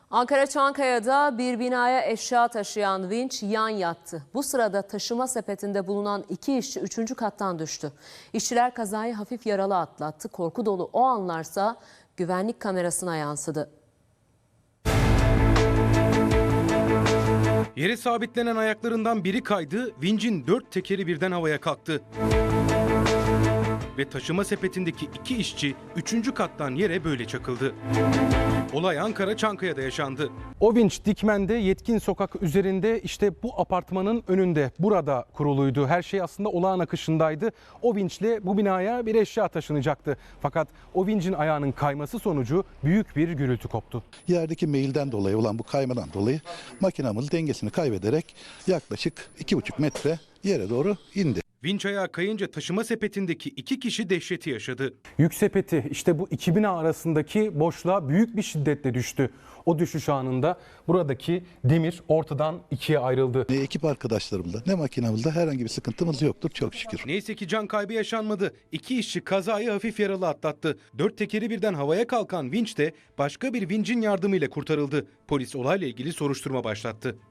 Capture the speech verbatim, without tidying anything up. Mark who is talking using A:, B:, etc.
A: Ankara Çankaya'da bir binaya eşya taşıyan vinç yan yattı. Bu sırada taşıma sepetinde bulunan iki işçi üçüncü kattan düştü. İşçiler kazayı hafif yaralı atlattı. Korku dolu o anlarsa güvenlik kamerasına yansıdı.
B: Yere sabitlenen ayaklarından biri kaydı, vincin dört tekeri birden havaya kalktı. Ve taşıma sepetindeki iki işçi üçüncü kattan yere böyle çakıldı. Olay Ankara Çankaya'da yaşandı. O vinç Dikmen'de Yetkin Sokak üzerinde, işte bu apartmanın önünde, burada kuruluydu. Her şey aslında olağan akışındaydı. O vinçle bu binaya bir eşya taşınacaktı. Fakat o vincin ayağının kayması sonucu büyük bir gürültü koptu.
C: Yerdeki meyilden dolayı olan bu kaymadan dolayı makinamız dengesini kaybederek yaklaşık iki buçuk metre yere doğru indi.
B: Vinç ayağı kayınca taşıma sepetindeki iki kişi dehşeti yaşadı.
D: Yük sepeti işte bu iki bina arasındaki boşluğa büyük bir şiddetle düştü. O düşüş anında buradaki demir ortadan ikiye ayrıldı.
C: Ne ekip arkadaşlarımızda ne makinamızda herhangi bir sıkıntımız yoktur çok şükür.
B: Neyse ki can kaybı yaşanmadı. İki işçi kazayı hafif yaralı atlattı. Dört tekeri birden havaya kalkan vinç de başka bir vincin yardımıyla kurtarıldı. Polis olayla ilgili soruşturma başlattı.